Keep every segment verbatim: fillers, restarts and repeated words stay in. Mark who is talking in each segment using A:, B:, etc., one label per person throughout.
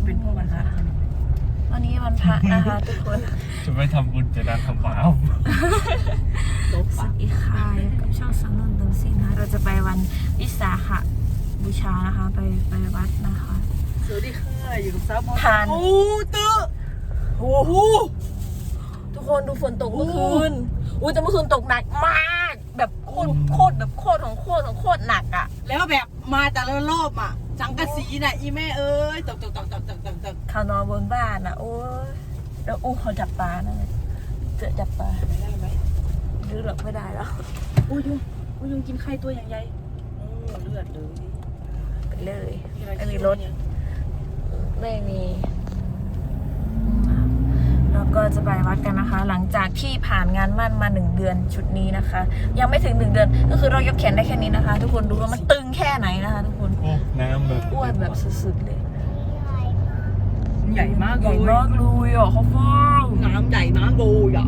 A: เป็นพวกวันพระ
B: วันนี้วันพระนะคะทุกคน
C: จะไม่ทำบุญจะดันทำบาป
B: สวัสดีค่ะกับช่องสังนนท์ตรงซิงนะคะเราจะไปวันวิสาขบูชานะคะไปไปวัดนะคะ
A: สวัสดีค่ะอยู่กับซับ
B: ทาน
A: โอ้ตื้อโอ้โห
B: ทุกคนดูฝนตกเมื่อคืนอุ้ยแต่เมื่อคืนตกหนักมากแบบโคตรโคตรแบบโคตรของโคตรของโคตรหนักอ่ะ
A: แล้วแบบมาแต่ละรอบอ่ะสังกะสีน่ะอีแม่เอ้ยตกตกตกตกตกตกตก
B: เขานอนบนบ้านอ่ะโอ้ยแล้วอู้เขาจับปลานะเจอจับปลา
A: ได้ไหม
B: หรือหลบไม่ได้แล้ว
A: อุ้ยยุงอุ้ยยุงกินไข่ตัวอย่างใหญ่โอ้เลือดเลย
B: ไปเลยไม่มีรถไม่มีแล้วก็จะไปวัดกันนะคะหลังจากที่ผ่านงานมั่นมาหนึ่งเดือนชุดนี้นะคะยังไม่ถึงหนึ่งเดือนก็คือเรายกแขนได้แค่นี้นะคะทุกคนดูว่ามันตึงแค่ไหนนะคะทุกคน
C: โอ้น้ำแบบ
B: อ้วนแบบสุดๆเลย
A: ใหญ่มาก
B: ใหญ่มากเลยอ่ะเขาฟ้อง
A: น้ำใหญ่มากเลยอ่ะ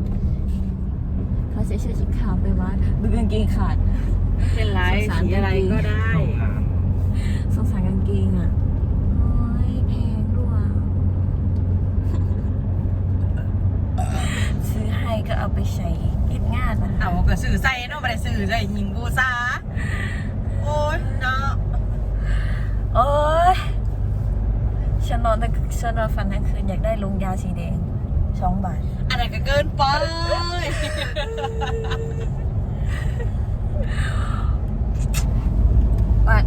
B: เขาใส่เสื้อสีขาวไปวัดดูกางเกงขาด
A: เป็นไรสีอะไรก็ได้
B: สงสารกางเกงอ่ะโอ้ยแพงด้วยซื้อให้ก็เอาไปใช้เก็บงานนะ
A: เอากระสือใส่เนาะไม่ได้สือใส่หิงกูซาโอ้ยเนาะ
B: โอ้ยฉันนอนแต่ฉันนอนฝันทั้งคืนอยากได้ลงยาสีแดงสองบาท
A: อันนั้นก็เกินไป
B: บัด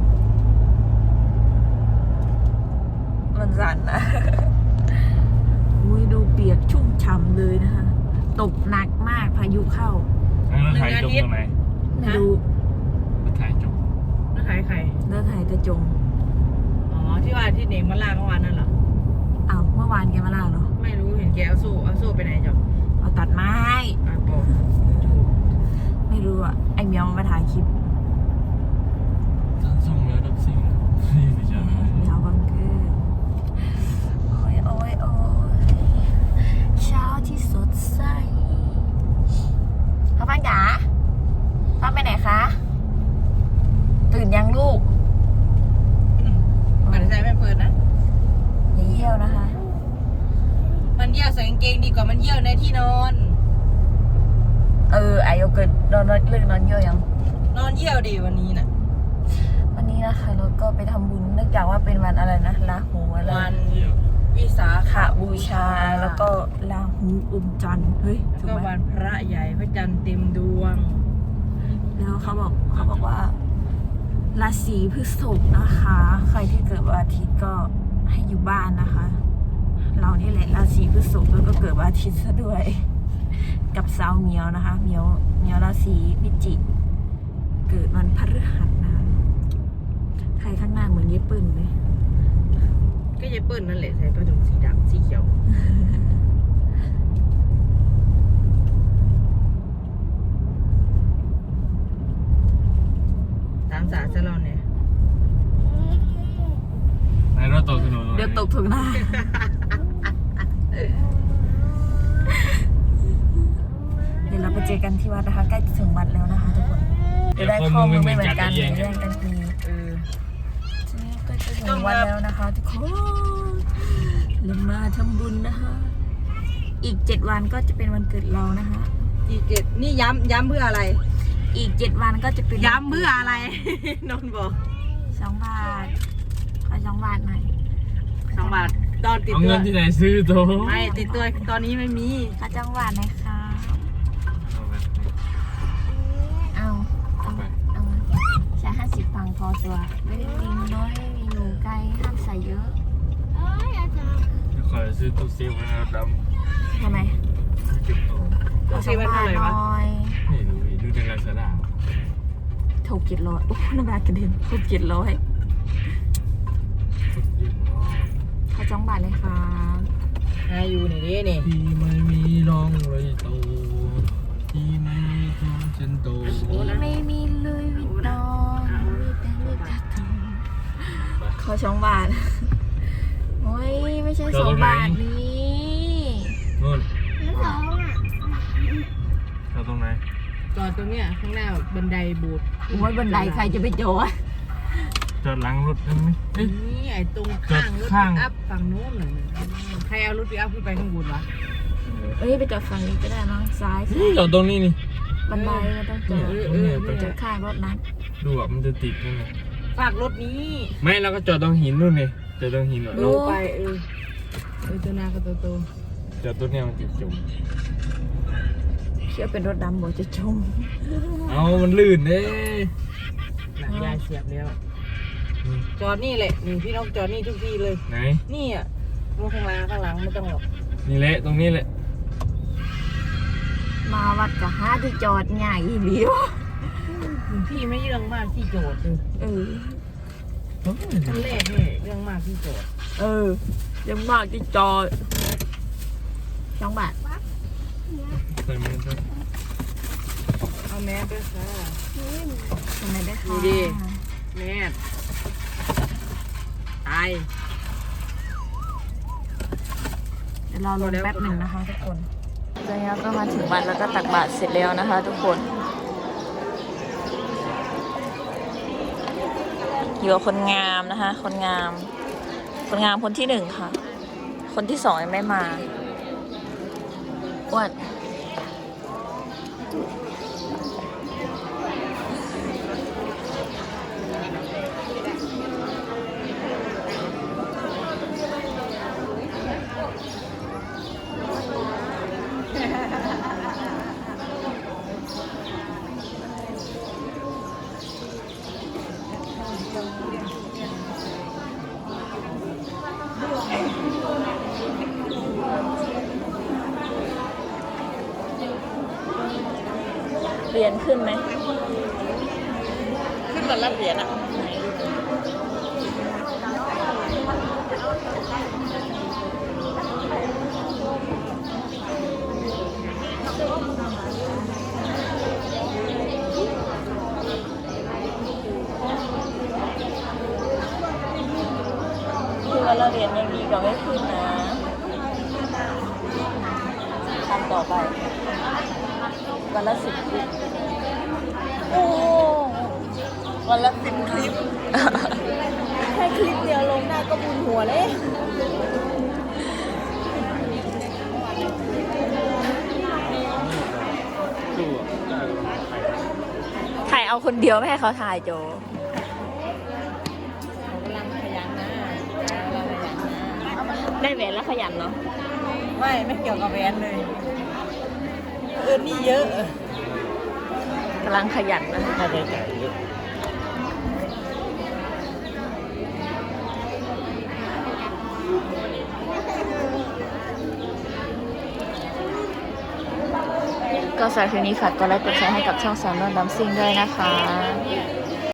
B: มันสั่นนะอุ้ยดูเปียกชุ่มฉ่ำเลยนะคะตกหนักมากพายุเข้า
C: แล้วถ่ายจมตรงไหน
B: ไม่รู้
C: แล้วถ่ายจม
A: แล้วถ่ายใคร
B: แล้วถ่ายแต่จม
A: อ๋อที่ว่าที่เนงมาล่าเมื่อวานนั่นเหรอ
B: อ้าวเมื่อวานแกมาล่าเหรอ
A: ไม่รู้เห็นแกเอาโซ่เอาโซ่ไปไหนจ๊ะ
B: เอาตัดไม้
A: อ่ะบอก
B: ไม่รู้อ่ะไอเมียวมาถ่ายคลิป
C: ส่งแล้วดับซิ่งนี่ไม่ใช่
B: เมียวบังเกอร์โอ้ยโอ้ยโอ้ยเช้าที่สดใสพ่อป้าจ๋าพ่อไปไหนคะตื่นยังลูก
A: มันใจไม่เปิดนะ
B: อย่าเยี่ยวนะคะ
A: มันเยี่ยวใส่กางเกงดีกว่ามันเยี่ยวในที่นอน
B: เออไอโยเกิร์ตนอนเรื่องนอนเยี่ยวยัง
A: นอนเยี่ยวดีวันนี้น่ะ
B: วันนี้นะคะเราก็ไปทำบุญเนื่องจากว่าเป็นวันอะไรนะลาหูอะไร
A: วันวิสาข
B: บูชาแล้วก็ลาหูอมจันทร์เฮ้ย
A: ก็วันพระใหญ่พระจันทร์เต็มดวง
B: แล้วเขาบอกเขาบอกว่าราศีพฤษภนะคะใครที่เกิดวันอาทิตย์ก็ให้อยู่บ้านนะคะเรานี่แหละราศีพฤษภแล้วก็เกิดวันอาทิตย์ซะด้วยกับสาวเมียวนะคะเมียวเมียวราศีพิจิกเกิดวันพฤหัสนะใครข้างหน้าเหมือนเย็บปืนเลย
A: ก็เย็บปืนนั่นแหละใส่ผ้าถุงสีดำสีเขียวตามสารจะรอเนี่ย
C: ไหนเราตกถนน
B: เดี๋ยวตกถึงหน้าเดี๋ยวเราไปเจอกันที่วัดนะคะใกล้ถึงวัดแล้วนะคะทุกคนจะได้ข้อมูลไม่เหมือนกันแย่งกันทีเออใกล้จะถึงวัดแล้วนะคะทุกคนเรามาทำบุญนะคะอีกเจ็ดวันก็จะเป็นวันเกิดเรานะคะ
A: อีกเจ็ดนี่ย้ำย้ำเพื่ออะไร
B: อีกเจ็ดวันก็จะเป็น
A: ย้ำเพื่ออะไรนนบอก
B: สองบาทขอสองบาทหน่อย
A: สองบาทตอนติดตัว
C: เอาเงินที่ไหนซื้อตัว
A: ไม่ติดตัวตอนนี้ไม่มี
B: ขอจังหวัดนะคะเอาเอาเอาใช้ห้าสิบฟังพอตัวไม่ได้มีน้อยไม่มีหนูไก่ห้ามใส่เยอะ
C: ขอซื้อตู้เซฟนะด
B: ำทำไม
A: ตู้เซฟมันเท่าไหร่วะ
C: นี่ดูดูในลาซาด้า
B: ถูกเจ็ดร้อยโอ้น้ำบาทกระเด็นถูกเจ็ดร้อยขอจ้องบาทเลยค่ะ
A: อายุนี่ดินี่
C: ที่ไม่มีร่องรอยโตที่ไม่มีตัวเช่นโต
B: ที่ไม่มีเลยวิตองมีแต่เลือดกระตุนขอสองบาทโอ้ยไม่ใช่สองบาทนี่
C: นู่น
B: แล้วสองอ่ะ
C: เราตรงไหน
A: จอดตรงเนี้ยข้างหน้าบันไดบูด
B: โอ้ยบันไดใครจะไปจอด
C: จอดหลังรถได้ไหม
A: นี่ไอ้ตรงข้างรถปิกอัพฝั่งโน้นน่ะใครเอารถปิกอัพขึ้นไปข้างบนวะ
B: เอ้ยไปจอดฝั่งนี้ก็ได้มั้งซ้าย
C: นี่จอดตรงนี้นี่
B: บันไดมันต้องจอด
C: เออเออ
B: ไปจอดข้างรถนั้น
C: ดูอ่ะมันจะติดยังไง
A: ฝากรถนี้
C: ไม่เราก็จอดตรงหินนู่นนี่จอดตรงหินอ่ะ
A: ลงไปเออเออตัวนาก็ตัวโต
C: จอดตัวเนี้ยมันติดจุ่ม
B: เชื่อเป็นรถดำบอกจะชม
C: เอามันลื่นเด้
A: หนังยายเสียบแล้วจอดนี่แหละนี่พี่น้องจอดนี่ทุกที่เลย
C: ไหน
A: นี่อ่ะรถข้างหล่างข้างหลังไม่ต้องหรอก
C: นี่แหละตรงนี้แหละ
B: มาวัดกับห้าที่จอดง่ายอีหลีวะ
A: พี่ไม่เรื่องมากที่โจทย์เลย
B: เออ
A: ขั้นแรกนี่เรื่องมากที่โจทย์
B: เออยังมากที่จอดสองบาท
C: ใส่มือครับ
A: เอาแมสด้วยค่ะ
B: ทำไมได้ค่ะ
A: ดีดิ แมสตาย
B: เดี๋ยวเราลงแป๊บหนึ่งนะคะทุกคนตอนนี้เราก็มาถึงวัดแล้วก็ตักบาตรเสร็จแล้วนะคะ ทุกคนอยู่กับคนงามนะคะ คนงาม คนงามคนที่หนึ่งค่ะ คนที่สองยังไม่มาอ้วนเหรียญขึ้นไหม
A: ขึ้นมารับเหรียญอ่ะ
B: คือว่าเราเรียนยังดีกว่าไม่ขึ้นนะทำต่อไปวันละสิบคลิปโอ้วันละสิบคลิป แค่คลิปเดียวลงได้ก็บุญหัวเลยถ่ายเอาคนเดียวไม่ให้เขาถ่ายโจ
A: เขากำลังขยันนะกำลังขยันนะ
B: ได้แหวนแล้วขยันเนาะ
A: ไม่ไม่เกี่ยวกับแหวนเลยเออนี่เยอะ
B: กำลังขยันนะ
C: ค่าใช้จ่ายเยอะ
B: ก็สำหรับคลิปนี้ฝากกดไลค์กดแชร์ให้กับช่องสามนวลดัมซิ่งด้วยนะคะ